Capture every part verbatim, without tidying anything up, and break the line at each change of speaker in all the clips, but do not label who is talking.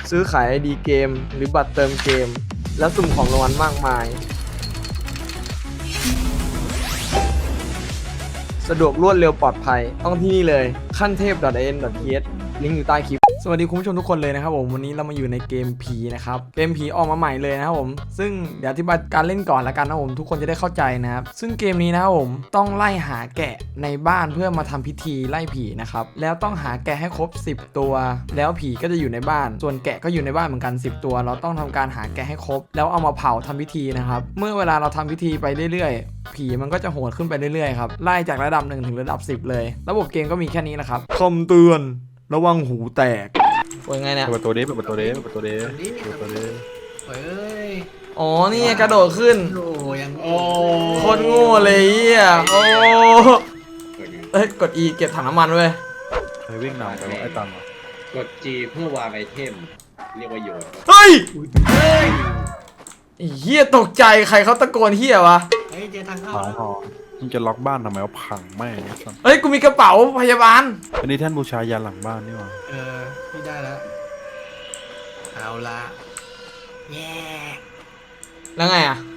ซื้อขาย ไอ ดี เกมหรือบัตรเติมเกมและสุ่มของรางวัลมากมายสะดวกรวดเร็วปลอดภัยต้องที่นี่เลยขั้นเทพ .in.th ลิงก์อยู่ใต้คลิปสวัสดีคุณผู้ชมทุกคนเลยนะครับผมวันนี้เรามาอยู่ในเกมผีนะครับเกมผีออกมาใหม่เลยนะครับผมซึ่งเดี๋ยวอธิบายการเล่นก่อนละกันนะผมทุกคนจะได้เข้าใจนะครับซึ่งเกมนี้นะครับผมต้องไล่หาแกะในบ้านเพื่อมาทำพิธีไล่ผีนะครับแล้วต้องหาแกะให้ครบสิบตัวแล้วผีก็จะอยู่ในบ้านส่วนแกะก็อยู่ในบ้านเหมือนกันสิบตัวเราต้องทำการหาแกะให้ครบแล้วเอามาเผาทำพิธีนะครับเมื่อเวลาเราทำพิธีไปเรื่อยๆผีมันก็จะโหดขึ้นไปเรื่อยๆครับไล่จากระดับหนึ่งถึงระดับสิบเลยระบบเกมก็มีแค่นี้นะครับคำเตือนระวังหูแตกว่าไงเนี่ย
เปิดประตูดิเปิดประตูดิเปิดประตูดิเปิดประตูดิ
เฮ้ย
อ๋อนี่กระโดดขึ้น
โอ้ยัง
โอ้
โคตรโง่เลยอ่ะโอ้เอ้ยกด E เก็บถังน้ำมันเว้ย
ใครวิ่งนำไปว่าไอ้ตังค์อ่ะ
กด G เพื่อวางไอเทมเรียกว่าโยน
เฮ้ยไอ้เฮียตกใจใครเขาตะโกนเฮียวะ
เฮ้ยเจอทางเข้า
หายหอมึงจะล็อกบ้านทำไมว่าพังแม่งไอ้สัส
เฮ้ยกูมีกระเป๋าพยาบาล
อันนี้แท่นบูชายันหลังบ้านนี่หว่า
เออพี่ได้แล้วเอาละแย่
แล้วไงอ่ะ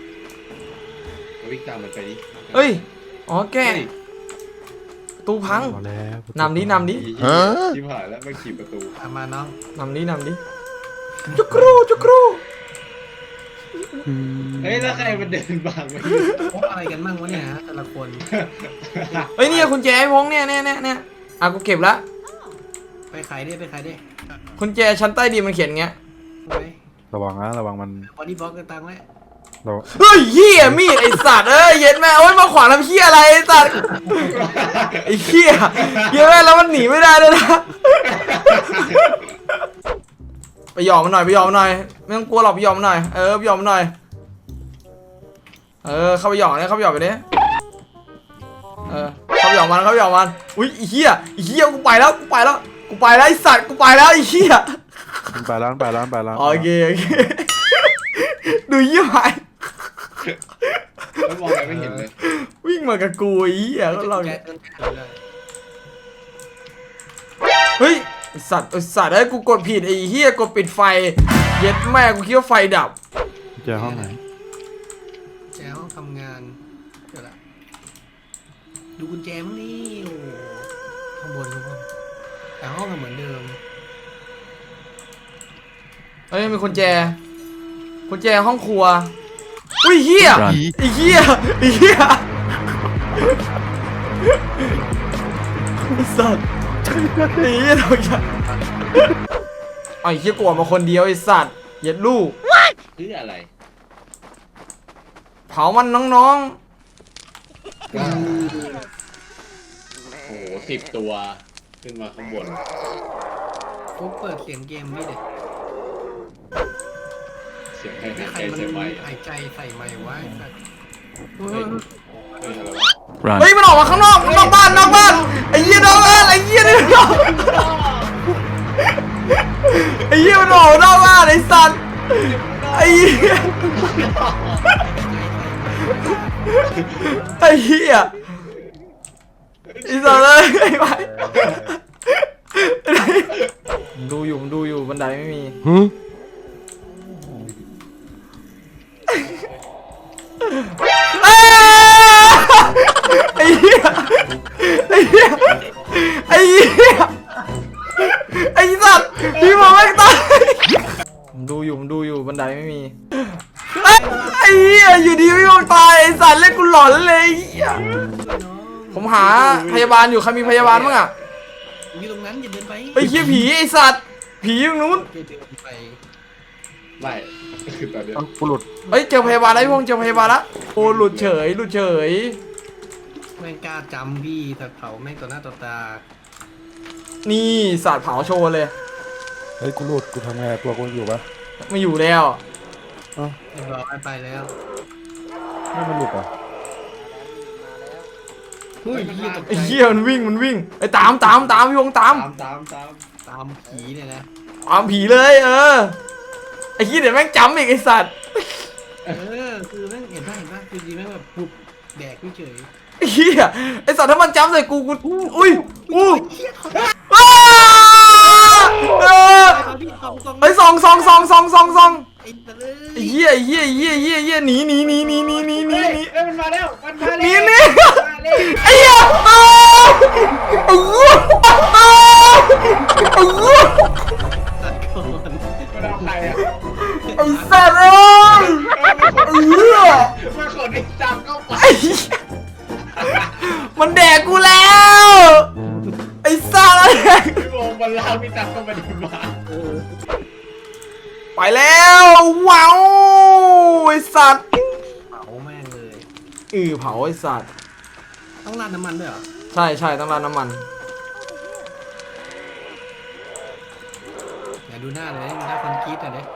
วิ่งตามมันไปดิ
เฮ้ยอ๋อแก้ประตูพัง
เอาแล้ว
นำดินำดิ
ชิบหายแล้วมันขี่ประตู
ตามมาน้อง
นำดินำดิจุกรูจุกรู
อืม
เฮ้ยแล้วใครมันเดินบางไป
พบอะไรกันบ้างวะเนี่ยฮะแต่ละคน
เฮ้ยเนี่ยคุณแจไอ้พงเนี่ยเนี่ยเนี่ยเนี่ยอ่ะกูเก็บละ
ไปขายได้ไปขายได้
คุณแจชั้นใต้ดินมันเขียนเงี้ย
ไว้
ระวังนะระวังมัน
บอดี้บล็อกกันตังไว้
เรา
เฮ้ยเหี้ยมีดไอสัตว์เอ้ยเย็นแม่โอ้ยมาขวางทำเหี้ยอะไรไอสัตว์ไอเหี้ยเย็นแม่แล้วมันหนีไม่ได้เลยนะไปหยอกมันหน่อยไปหยอกมันหน่อยไม่ต้องกลัวหรอกไปหยอกมันหน่อยเออไปหยอกมันหน่อยเออเข้าไปหยอกเนี่ยเข้าไปหยอกไปดิเออเข้าไปหยอกมันเข้าไปหยอกมันอุ้ยไอเหี้ยไอเหี้ยกูไปแล้วกูไปแล้วกูไปแล้วไอสัตว์กูไปแล้วไอเหี้ย
มันไปแล้วมันไปแล้วมันไปแล้ว
โอเคโอเคดูเหี้ยไป
แล้วมองไปไม่เห็นเลย
วิ่งมากับกูไอ้เหี้ยก็เรา
แก
เนี่ย
เดินขายเลย
เฮ้ยไอ้สัตว์ไอ้สัตว์ไอ้ยกูกดผิดไอ้เหี้ยกดปิดไฟเย็ดแม่กูคิดว่าไฟดับ
เจอห้องไหน
แจห้องทำงานเดี๋ยวละดูกุญแจมั้งนี่โอ้ข้างบนข้างบนแต่ห้องก็เหมือนเดิม
เฮ้ยมีกุญแจกุญแจห้องครัวอุ้ยเหี้ยไอ้เหี้ยไอ้เหี้ยไอ้สัตว์ไอ้เหี้ยเราจะไอ้เหี้ยกลัวมาคนเดียวไอ้สัตว์เย็ดลูก
เพื่ออะไร
เผามันน้อง
โอ้โหสิบตัวขึ้นมาข้างบน
ฟุ๊กเปิดเสียงเกมนี่เด็ก
เสียงใคร
ไม่
หาย
ใคร
ใจ
มัน
เสียงไม้
หายใจใส่ไม้ไว้สัตว์
เฮ้ยเฮ้ยอะไรวะ
ๆเฮ้ยมันออกมาข้างนอกนอกบ้านนอกบ้านไอ้เหี้ยนอกบ้านไอ้เหี้ยนี่นอกไอ้เหี้ยมันออกนอกบ้านไอ้สัตว์ไอ้เหี้ยไอ้เหี้ยไอ้สัตว์เลยไอ้ไปผมดูอยู่ผมดูอยู่บันไดไม่มีไอ้เหี้ยไอ้เหี้ยไอ้เหี้ยไอ้สัตว์พี่มองไม่ตายผมดูอยู่ผมดูอยู่บันไดไม่มีไอ้เหี้ยอยู่ดีพี่มองตายไอ้สัตว์เล่นกูหลอนเลยไอ้เหี้ยผมหาพยาบาลอยู่ใครมีพยาบาลบ้างอะ
อยู่ตรงนั้นอย่าเดินไป
ไอ้เหี้ยผีไอ้สัตว์ผีอยู่นู้น
อย่าเดินไป
ไม่คือตอนเนี้ย
ต้องกูหลุด
เฮ้ยเจอพยาบาลแล้วพี่พงษ์เจอพยาบาลละโอ้หลุดเฉยหลุดเฉย
แม่งกล้าจำพี่แต่เผาแม่งต่อหน้าต่อตา
นี่สัตว์เผาโชว์เลย
เฮ้ยกูหลุดกูทำไงตัวกูอยู่ปะ
ไม่อยู่แล้ว
เรียบร้อยไปแล้ว
ไม่มันหลุดอ่ะ
เฮ้ยพี่ตกใจ
ไอ้เหี้ยมันวิ่งมันวิ่งไอ้ตามตามตามพี่พงษ์ตาม
ตามตามตาม
ตามผีเนี่ยนะ
ตามผีเลยเออไอ้เหี้ยเดี๋ยวแม่งจำอีกไอ้สัตว์
เออคือแม่งเห็นป่ะเห็นป่ะคือจริงแม่งแบบปุบแดกไม่เฉย
ไอ้เหี้ยไอ้สัตว์ถ้ามันจำใส่กูกูอุ้ยอู้
เฮียเขา
อ้าเออ
ไปพี่สองสอง
ไอ้สองสองสองสองสองสอง
ไอ้ตะเล
ไอ้
ย
เหี้ยไอ้เหี้ยไอ้เหี้ยไอ้เหี้ยไอ้เหี้ยหนีหนีหนีหนีหนีหนีหนี
เฮ้ย
หนี
เอ้ยมันมาแล้วมันมา
หนี
แล้ว
หนี
มาแล้ว
ไอ้เหี้ยอ้าวไอ้เหี้ยอ้าวไอ้เหี้ย
ตัดก่อน
มันเอาใครอ่ะ
ไอ้สัตว์เอ้ยไอ้เหี้ย
มันขนไอ้จับเข้าไป
ไอ้เหี้ยมันแดกกูแล้วไอ้สัตว์
พี่โมงมันลากพี่จับเข้าไปในบ้าน
เออ
ไปแล้วว้าวไอ้สัตว์
เผาแม่งเลย
อือเผาไอ้สัตว์
ต้องราดน้ำมันด้วยเหรอ
ใช่ใช่ต้องราดน้ำมัน
อย่าดูหน้าเลยดูหน้าคนกรี๊ดอ่ะเด้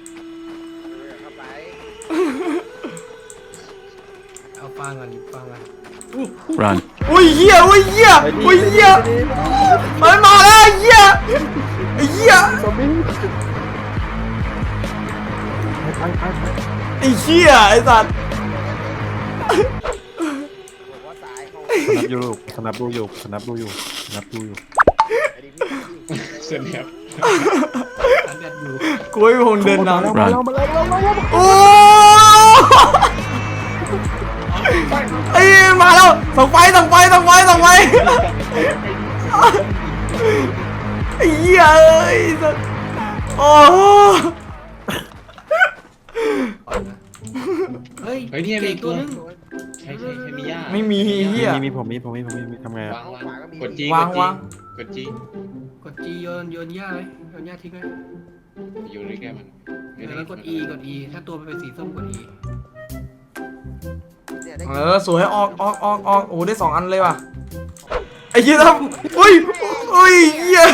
เอาฟังก่อนดิฟังก่อน
รัน
อุ้ยเหี้ยอุ้ยเหี้ยอุ้ยเหี้ยมันมาแล้วไอ้เหี้ยไอ้เหี้ย
ซอมบี้ไปไปไป
ไอ้เหี้ยไอ้สัตว์
สนับยูลูกสนับดูอยู่สนับดูอยู่สนับดูอยู่
เสร็จแล้ว
อันเด็ดอยู่
กูไม่คงเดินนำ
มาแล้วมาแล้วมาแล้วมาแล้ว
โอ้ไอ้มาแล้วส่องไฟส่องไฟส่องไฟส่องไฟไอ้เหี้ยเอ้ยสัตว์โอ้
เฮ้ย
เฮ้ยเนี่ยมี
เก่ง
ตั
ตัว วนึง
ใช่ใช่ใช่มีย่า
ไม่มีเหี้ย
มีมีผมมีผมมีผมมีมีทำไง
วางวางกดจี
วางวาง
กดจี
กดจีโยนโยนหญ้าไว้โยนหญ้าทิ้งไว้
อยู่ในแก้มัน
แล้วกด E กด E ถ้าตัวมันเป็นสีส้มกด E
เออสวยออกออกออกออกโอ้ได้สองอันเลยว่ะไอ้เหี้ยทำอุ้ยอุ้ยเหี้ย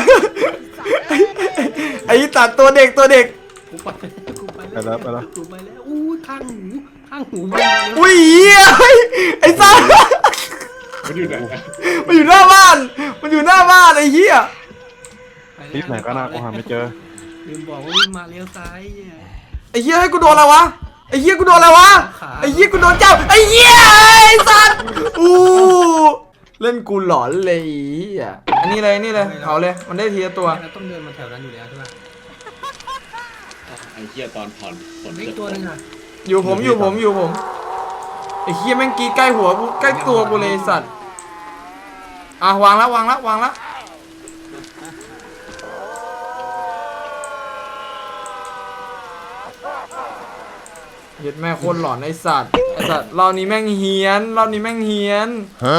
ไอ้ตัดตัวเด็กตัวเด็ก
กูไปกูไป
ไปแล้วไปแล้ว
กูไปแล้วอู้ข้างหูข้างหูมาแล้ว
อุ้ยเหี้ยไอ้สัตว์
มันอยู่ไหน
มันอยู่หน้าบ้าน มันอยู่หน้าบ้านไอ้เหี้ย
ไปแล้ว
รีบไหนก็น่ากูหาไม่เจอ
ลืมบอกว่าวิ่งมาเลี้ยวซ้ายเนี่ย
ไอ้เหี้ยให้กูโดนอะไรวะ ไอ้เหี้ยกูโดนอะไรวะ ไอ้เหี้ยกูโดนจับไอ้เหี้ยไอ้สัตว์อู้เล่นกูหลอนเลยไอ้เหี้ยอันนี้เลยนี่เลยเอาเลย มันได้ทีละตัว
เราต้องเดินมาแถวนั้นอยู่แล้วใช่ไหม
ไอ้เหี้ยตอนผ่อนผล
อีกตัวหนึงอ่ะ
อยู่ผมอยู่ผมอยู่ผม ไอ้เหี้ยแม่งกรีดใกล้หัวกูใกล้ตัวกูเลยไอ้สัตว์ อ่ะวางแล้ววางแล้ววางแล้วเย็ดแม่โคตรหลอนไอ้สัตว์ไอ้สัตว์รอบนี้แม่งเฮี้ยนรอบนี้แม่งเฮี้ยน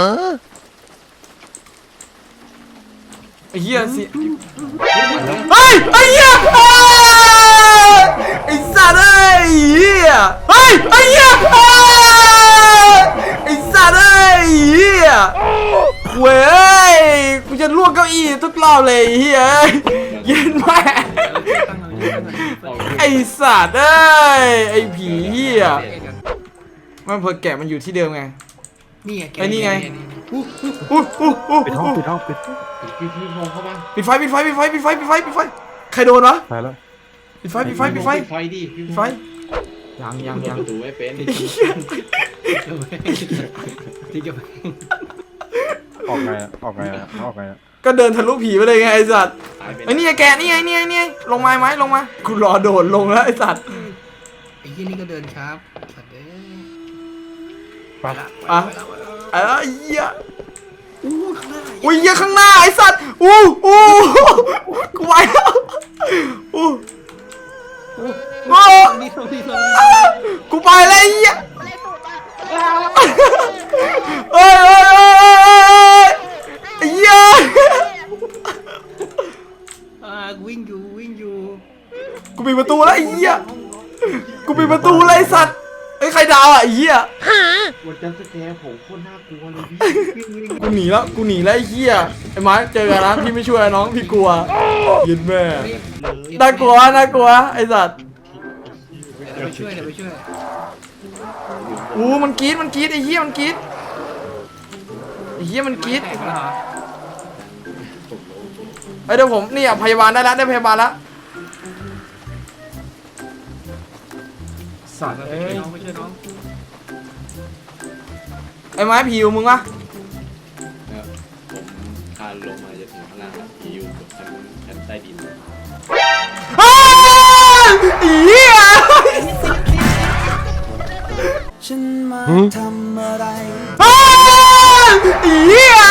ไอ้เหี้ยสิเฮ้ยไอ้เหี้ยเอ้ยไอ้สัตว์เอ้ยเหี้ยเฮ้ยไอ้เหี้ยเอ้ยไอ้สัตว์เอ้ยเหี้ยเว้ยกูจะลวกเก้าอี้ทุกรอบเลยไอ้เหี้ยเย็นแม่
ตั้งเอาตั้งเอา
ไอ้สัตว์เอ้ยไอ้ผีเหี้ยมันเพิ่งแกะมันอยู่ที่เดิมไง
นี่ไง
ไอ้นี่ไง
อู้หู
อู้อู้อู้
ปิดห้องปิดห้องปิด
พี่พี่โมงเข้ามา
ปิดไฟปิดไฟปิดไฟปิดไฟปิดไฟปิดไฟใครโดนวะ
ไปแล้ว
ปิดไฟปิดไฟปิดไฟ
ปิดไฟดิ
ปิดไฟยังยังยัง
ประตูไม่เป็น
ที่จะไป
ออกไงอะออกไงอะออกไงอะ
ก็เดินทะลุผีไปเลยไงไอ้สัตว์
ตายเป็น
ไอ้นี่ไงแกะนี่ไงนี่ไงนี่ไงลงมาไหมลงมากูรอโดดลงแล้วไอ้สัตว์
ไอ้ยี่นี่ก็เดินครับสัตว์เด้
ไป
ละ
อ่ะ
ไปละไปละ
ไอ้เหี้ย
อู้ข้างหน้า
อุ้ยเหี้ยข้างหน้าไอ้สัตว์อู้อู้กูไปแล้วอู้
โอ้ตรงนี้ตรงนี้ตรงนี้
กูไปแล้วไอ้เหี้ยเอ้ยเอ้ยเอ้ยเอ้ยไอ้เหี้ย
อ่าวิ่งอยู่วิ่งอยู่
กูปิดประตูแล้วไอ้เหี้ยกูปิดประตูเลยไอ้สัตว์ไอ้ยใครดาวอ่ะไอ้เหี้ย
วันจันทร์สแกร์ผมโคตรน่ากลัวเลยพี่
กูหนีแล้วกูหนีแล้วไอ้เหี้ยไอ้ไม้เจอกันนะพี่ไม่ช่วยน้องพี่กลัวยินแม่
เฮ้ย
น่ากลัวน่ากลัวไอ้สัตว์
เดี๋ยวไปช่วยเดี๋ยวไปช่วย
อู้มันกรี๊ดมันกรี๊ดไอ้เหี้ยมันกรี๊ดไอ้เหี้ยมันกรี๊ด
แตกแล้วเหรอ
ไอ้ยเดี๋ยวผมนี่อ่ะพยาบาลได้แล้วได้พยาบาลแล้วสัตว์
ไป
เอ้
ช่วย
ย
น้องไปช่วยน้อง
ไอ้ไม้ผีอยู่มึงวะ
ผมคานลงมาจะถึงข้างล่างแล้วพี่อยู่ชั้นชั้นแตต้ดิน
อ้าวเหี้ย
ฉันมาทำอะไร
อ้าวเหี้ย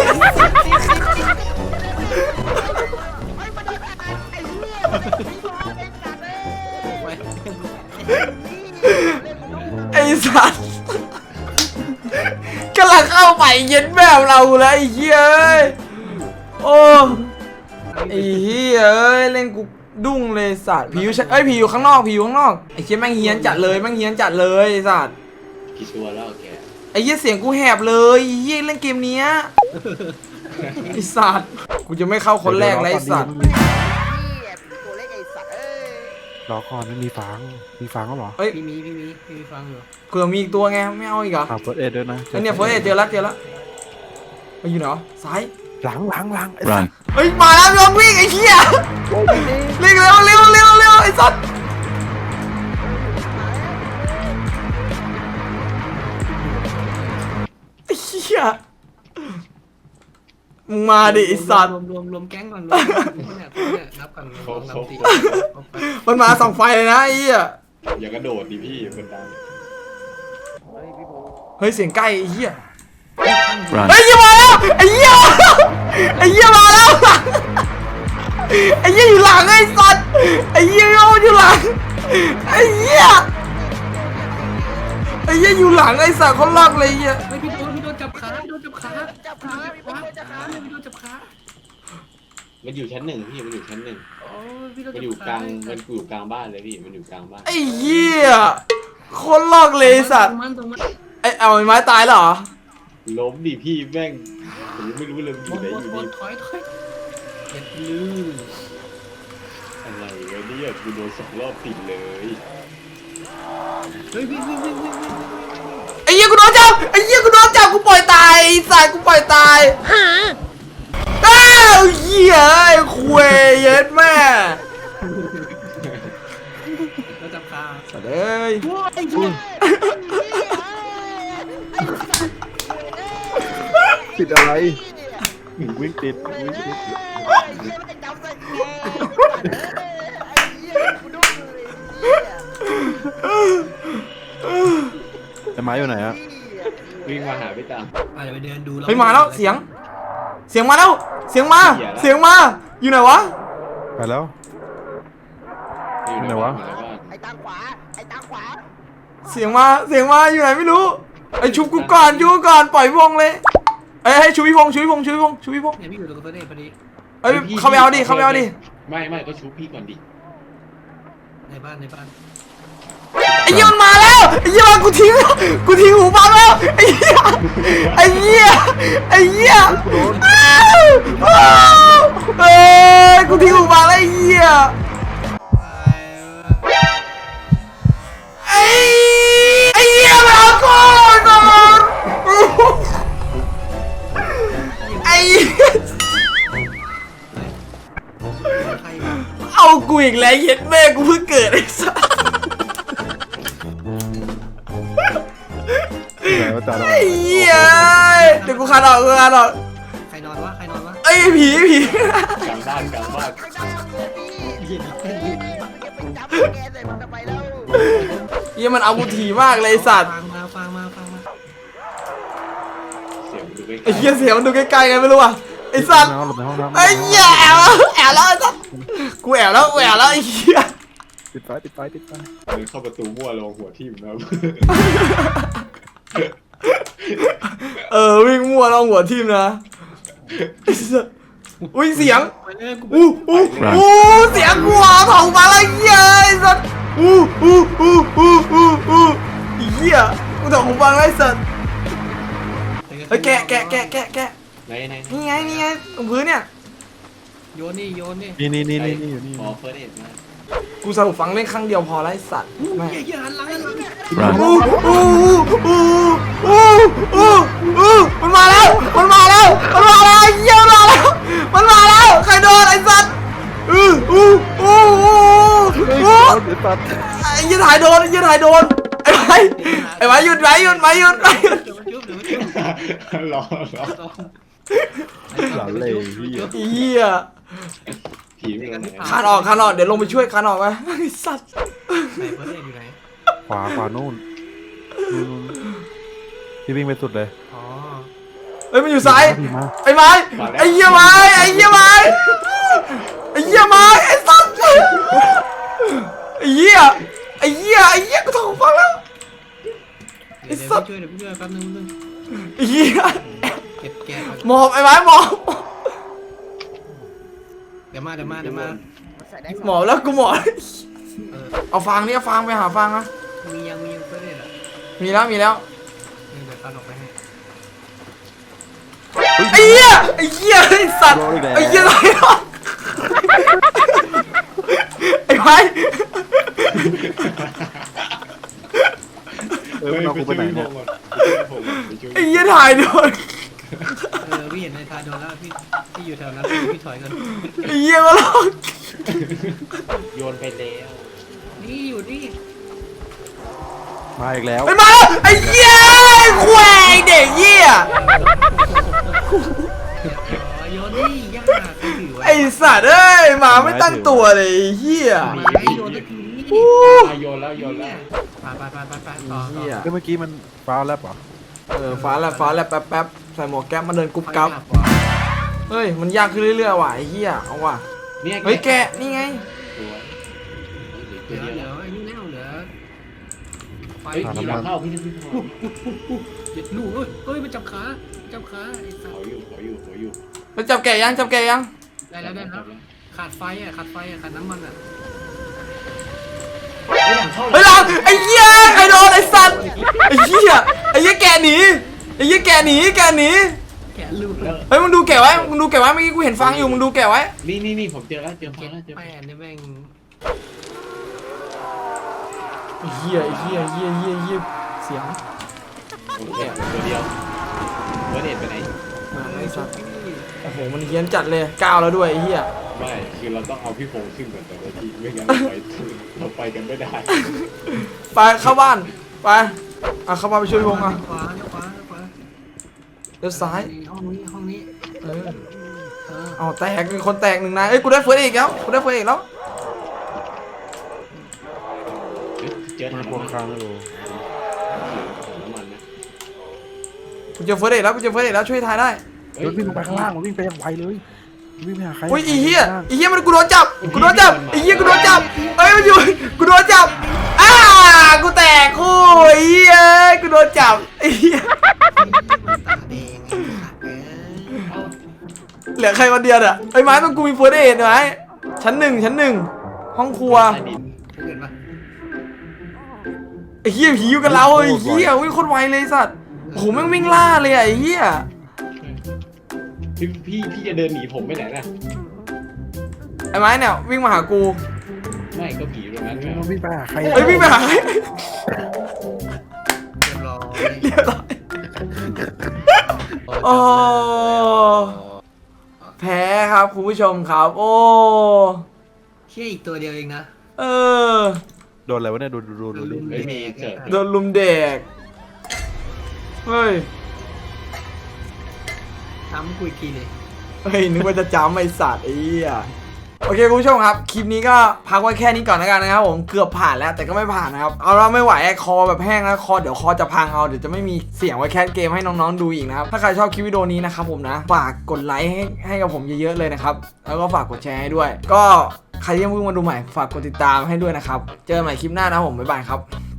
ไอ้สัสกำลังเข้าไปเย็นแบบเราเลยไอ้เหี้ยเอ้ยโอ้ไอ้เหี้ยเอ้ยเล่นกูดุ้งเลยสัตว์ผีอยู่เอ้ยผีอยู่ข้างนอกผีอยู่ข้างนอกไอ้เหี้ยแม่งเฮี้ยนจัดเลยแม่งเฮี้ยนจัดเลยไอ้สัตว์
กี่ตัวแล้วแก
ไอ้เหี้ยเสียงกูแหบเลยไอ้เหี้ยเล่นเกมเนี้ยไอ้สัตว์กูจะไม่เข้าคนแรกเลยไอ้สัตว์
ตัวเล็กไอ้สัตว์เอ้ย
รอก่อนไม่มีฟังมีฟังก็หรอ
เอ้ย
พี่มีพี่มีพี่มีฟังอยู่
เผื่อมีอีกตัวไงไม่เอาอีกเหรอ
ฝากเฟิร์สเอ็ดด้วยนะ
ไอ้เนี่ยเฟิร์สเอเจอแล้วเจอแล้วไปอยู่ไหนวะซ้าย
หลังหลังหลังไอ้
Run.
เฮ้ยมาแล้วยอมวิ่งไอ้เหี้ยเร็วเร็วเร็วเร็วเร็วไอ้สัตว์ไอ้เหี้ยมึงมาดิไอ้สัตว์
รวมรวมรวมแก๊งก่อนรวมเนี่ยเนี่ยนับกันสองสามสี่
มันมาส่องไฟเลยนะไอ้เหี้ย
อย่ากระโดดดิพี่เป็นดัง
เฮ้ยเสียงใกล้ไอ้เหี้ย
Run.
เฮ้ยมาแล้วไอ้เหี้ยไอ้เหี้ยมาแล้วไอ้เหี้ยอยู่หลังไอ้สัตว์ไอ้เหี้ยอยู่หลังไอ้เหี้ยไอ้เหี้ยอยู่หลังไอ้สัตว์เขาลากเลยไอ้เหี้ย
เฮ้ยพี่โดนพี่โดนจับขาพี่โดนจับขา
จับขาพี่บอลจับขา
พี่โดนจับขา
มันอยู่ชั้นหนึ่งพี่มันอยู่ชั้นหนึ่ง
โอ้ยพี่โดน
มัน
จับ
อยู่
ขาก
ลางมันอยู่กลางบ้านเลยพี่มันอยู่กลางบ้าน
ไอ้เหี้ยคนลอกเลยไอ้สัตว์
มันตรงมัน
ไอ้เอาไอ้ไม้ตายแล้วเหรอ
ล้มดิพี่แม่งผมยังไม่รู้เลยมันอยู่ไหนอยู่
บ
ดี
นถอยถอยเจ็บลืม
อะไรวะเนี่ยกูโดนสองรอบติดเลย
เฮ้ยวิ่งวิ่งวิ่งวิ่งวิ่ง
ไอ้เหี้ยกูโดนจับไอ้เหี้ยกูโดนจับกูปล่อยตายไอ้สัตว์กูปล่อยตายอ้าวเหี้ยไอ้คุยเย็ดแม่
แล้วจับขา
สัตว์เอ้ย
ติดอะไรวิ่งติดวิ่งติด
ไอ้เหี้ยไม่จับใส่แกไอ้เหี้ยกูดุ้งเลยไอ้เหี้ย
ไอ้ไม้อยู่ไหนอะ
วิ่งมาหาพี่ตาม
อ่ะเดี๋ยวไปเดินดู
เฮ้ยมาแล้วเสียง เสียงมาแล้วเสียงมา เสียงมาอยู่ไหนวะ
ไปแล้ว
อยู่
ไหนวะ
อยู่ในบ้าน
ไอ้ตาขวาไอ้ตาขวา
เสียงมาเสียงมาอยู่ไหนไม่รู้ไอ้ชุบกูก่อนชุบกูก่อนปล่อยพี่พงษ์เลยเอ้ยให้ชุบพี่พงษ์ชุบพี่พงษ์ชุบพี่พงษ์ชุบพี่พงษ์
เนี่ยพี่อยู่ตรงตัวนี้พอดี
เอ้ยเข้าไปเอาดิเข้าไปเอาดิ
ไม่ไม่ก็ชุบพี่ก่อนดิ
ในบ้านในบ้าน
ไอ้เหี้ยมันมาแล้วไอ้เหี้ยมันกูทิ้งกูทิ้งหูฟังแล้วไอ้เหี้ยไอ้เหี้ยไอ้เหี้ยอ้าวอ้าวเอ้ยกูทิ้งหูฟังแล้วไอ้เหี้ยไอ้ไอ้เหี้ยมาเอากูก่อนไอ้เหี้ย
ใคร
เอากูอีกแล้วเย็ดแม่กูเพิ่งเกิดไอ้สัส
ไหนว่าจ่าเรา
ไอ้เหี้ยเดี๋ยวกูคานออกกูคานออก
ใครนอนวะใครนอนวะ
ไอ้ยผีผี
กลางบ้านกลางบ้าน
ไอ้ตาเกิดนี่
เห็นเห็นเห็น
จะไปจับแกใส่มันทำไมแล้ว
เหี้ยมันเอากูถี่มากเลยไอ้สัตว์
ฟังมาฟังมาฟังมา
เสียงดูใกล้
ไอ้เหี้ยเสียงมันดูใกล้ๆไงไม่รู้อ่ะไอ้สัตว์
น้ำหลบในห้องน้ำ
ไอ้เหี้ยแอบแล้วแอบแล้วไอ้สัตว์กูแอบแล้วกูแอบแล้วไอ้เหี้ย
ติดไฟติดไฟติดไฟ
เดินเข้าประตูมั่วลงหัวทิ่มนะ
เออวิ่งมั่วแล้วหัวทิ่มนะไอ้สัสอุ้ยเสียง
ไปเลยกู
อู้อู้อู้เสียงกูอ่ะถองมาแล้วเหี้ยไอ้สัสอู้อู้อู้อู้อู้อู้ไอ้เหี้ยกูถองหูฟังแล้วไอ้สัสเฮ้ยแกะแกะแกะแกะแกะ
ไหนไหน
นี่ไงนี่ไงตรงพื้นเนี่ย
โยนนี่โยนนี่
นี่นี่นี่นี่นี่อยู่นี่
ขอเฟิร์สเอ็ดมา
กูสรุปฟังเล่นครั้งเดียวพอแล้วไอ้สัตว์แม่ง
เหี้ยเหี้ยหันหลังหันหลัง
Run.
อู้อู้อู้อู้อู้อู้มันมาแล้วมันมาแล้วมันมาแล้วไอ้เหี้ยมันมาแล้วมันมาแล้วใครโดนไอ้สัตว์อู้อู้อู้อู้อู้
เดี๋ยวตัด
ไอ้ยี่ถ่ายโดนไอ้ยี่ถ่ายโดนไอ้ไม้ไอ้ไม้หยุดไว้หยุดไว้หยุดไว้หยุด
เดี๋ยวมันจุ๊บเดี๋ยวมันจุ๊บ
รอรอ
หลังเลยพี่
เหี้ย
พี่ผีไม่รู้ไหน
คานออกคานออกเดี๋ยวลงไปช่วยคานออกไปไอ้สัตว์
ไหนเฟิร์สเอดอยู่ไหน
ขวาขวานู่นนู่นนู่นพี่วิ่งไปสุดเลย
อ๋อ
เฮ้ยมันอยู่ซ้าย
พี่มา
ไอ้ไม้ไอ้เหี้ยไม้ไอ้เหี้ยไม้ไอ้เหี้ยไม้ไอ้สัตว์ไอ้เหี้ยไอ้เหี้ยไอ้เหี้ยกูถูกฟังแล้ว
เดี๋ยวเดี๋ยวพี่ช่วยเดี๋ยวพี่ช่วยแป๊บนึงแป๊บนึง
ไอ้เหี้ย
เก็บแกะก่อน
หมอบไอ้ไม้หมอบ
เดี๋ยวมาเดี๋ยวมาเดี๋ยวมา
ใส่ได้สอง
หมอบแล้วกูหมอบ
เออ
เอาฟางนี่เอาฟางไปหาฟางนะ
มียังมียังเฟิร์สเอดอ่ะ
มีแล้วมีแล้ว
นี่เดี๋ยวตัดออกไปให้
ไอ้เหี้ยไอ้เหี้ยไอ้สัตว์ไอ้เหี้ยอะไรวะไอ้ไม้
เออมันเอากูไปไหนเนี่ย
ไอ้เหี้ยถ่ายโดน
เออพี่เห็นในทายโดนแล้วพี่พี่อยู่แถวนั้นพี่ถอยกัน
ไอ้เหี้ยมาหลอก
โยนไปแล้ว
นี่อยู่นี่
มาอีกแล้ว
ไอ้มาไอ้เหี้ยแควงเด็กเหี้ย
อ๋อโยนนี่ยากใครถือไว้
ไอ้สัตว์เอ้ยหมาไม่ตั้งตัวเลยไอ้เหี้ย
ไม้โยนตะกี้
โยนแล้วโยนแล้ว
ไปไปไปไปไปต่อ
เหี้ย
แล้วเมื่อกี้มันฟ้าแลบเหรอ
เออฟ้าแลบฟ้าแลบแป๊บแป๊บใส่หมวกแก๊ปมาเดินกุ๊บกับเฮ้ยมันยากขึ้นเรื่อยๆว่ะไอ้เหี้ยเอาว่ะ
เนี่ย
เฮ้ยแกะนี่ไง
ตัว
เหลือ
เดี
เหลื
ยว
อไอ้นี่แล้วเหลือไฟ
เฮ้ยผีเราเข้าพี่จะพี่พอ
เด็ดลูกเอ้ยเฮ้ยมันจับขาจับขาไอ้สั
ข
ส
ออยู่ขออยู่ขออยู่
ไปจับแกะยังจับแกะยัง
ได้แล้วได้แล้วขาดไฟอ่ะขาดไฟอ่ะขาดน้ำมันอ่ะ
เฮ้ยหลังไอ้เหี้ยไอ้โดนไอ้สัตว์ไอ้เหี้ยไอ้เหี้ยแกะหนีไอ้เหี้ยแกะหนีแกะหนี
แกะลูก
แล้ว
เฮ้ยมึงดูแกะไว้มึงดูแกะไว้เมื่อกี้กูเห็นฟังอยู่มึงดูแกะไว้
นี่นี่นี่ผมเจอแล้วเจอฟั
เก็
ง
บ
แล้วเจอ
แป้นเนี่ยแม่ง
ไอ้เหี้ยไอ้เหี้ยเหี้ยเหี้ยเหี้ยเสียง
ผมเจอตัวเดียวเบอร์เด็ดไปไหน
มาไอ้สัตว์โอ้โหมันเฮี้ยนจัดเลยก้าวแล้วด้วยไอ้เหี้ย
ไม่คือเราต้องเอาพี่พงษ์ขึ้นก่อนแต่ละทีไม่งั้นเราไปเราไปกันไม่ได้
ไปเข้าบ้านไปอ่ะเข้าบ้านไปช่วยพงษ์อ่ะ
ขวาขวาขวา
เลี้ยวซ้าย
ห้องนี้ห้องนี้
เออ
เออ
เอาแตกมีคนแตกหนึ่งนายเอ้ยกูได้เฟิร์สอีกแล้วกูได้เฟิร์สอีกแล้ว
เจอ
มั
ถั
น
ง
พวง
น้ำ
ค้างไม่รู้
มันนะ
กูเจอเฟิร์สอีกแล้วกูเจอเฟิร์สอีกแล้วช่วยทายได้
เฮ้ยวิ่งลงไปข้างล่างมันวิ่งไปอย่างไวเลยวิ่งไปหาใคร
อุ้ยไอ้เหี้ยไอ้เหี้ยมันกูโดนจับกูโดนจับไอ้เหี้ยกูโดนจับเอ้ยมันอยู่กูโดนจับอ้ากูแตกคู่ไอ้เหี้ยกูโดนจับไอ้เหี้ย
ตาแดงไอ้สัตว์เอ้ย
เอา
เหลือใครคนเดียวอ่ะไอ้ไม้ต้องกูมีเฟิร์สเอ็ดไหมชั้นหนึ่งชั้นหนึ่งห้องครัว
ใต้ดิน
เห็นปะ
ไอ้เหี้ยผีอยู่กับเราไอ้เหี้ยวิ่งโคตรไวเลยสัตว์โอ้โหแม่งวิ่งล่าเลยอะไอ้เหี้ย
พี่พี่พี่จะเดินหนีผมไปไหนน่ะ
ไอ้ไม้เนี่ยวิ่งมาหากู
ไม่ก็ผีตรงนั้นไง
มันวิ่งไปหาใคร
เอ้ยวิ่งไปหาใคร
เรียบร้อย
เรียบร้อยโอ้แพ้ครับคุณผู้ชมครับ โอ้
เชี่ยอีกตัวเดียวเองนะ
เออ
โดนอะไรวะเนี่ยโดนโดนโดนโดน
เฮ้ยมีเจอ
โดนลุมเด็กเฮ้ย
ทำกูอีกทีเลย
เฮ้ยนึกว่าจะจำไอ้สัตว์ไอ้เหี้ยโอเคคุณผู้ชมครับคลิปนี้ก็พักไว้แค่นี้ก่อนแล้วกันนะครับผมเกือบผ่านแล้วแต่ก็ไม่ผ่านนะครับเอาเราไม่ไหวไอ้คอแบบแห้งแล้วคอเดี๋ยวคอจะพังเอาเดี๋ยวจะไม่มีเสียงไว้แคสเกมให้น้องๆดูอีกนะครับถ้าใครชอบคลิปวิดีโอนี้นะครับผมนะฝากกดไลค์ให้ให้กับผมเยอะๆเลยนะครับแล้วก็ฝากกดแชร์ให้ด้วย ก็ใครที่ยังเพิ่งมาดูใหม่ฝากกดติดตามให้ด้วยนะครับเจอกันใหม่คลิปหน้านะครับผมบ๊ายบายครับ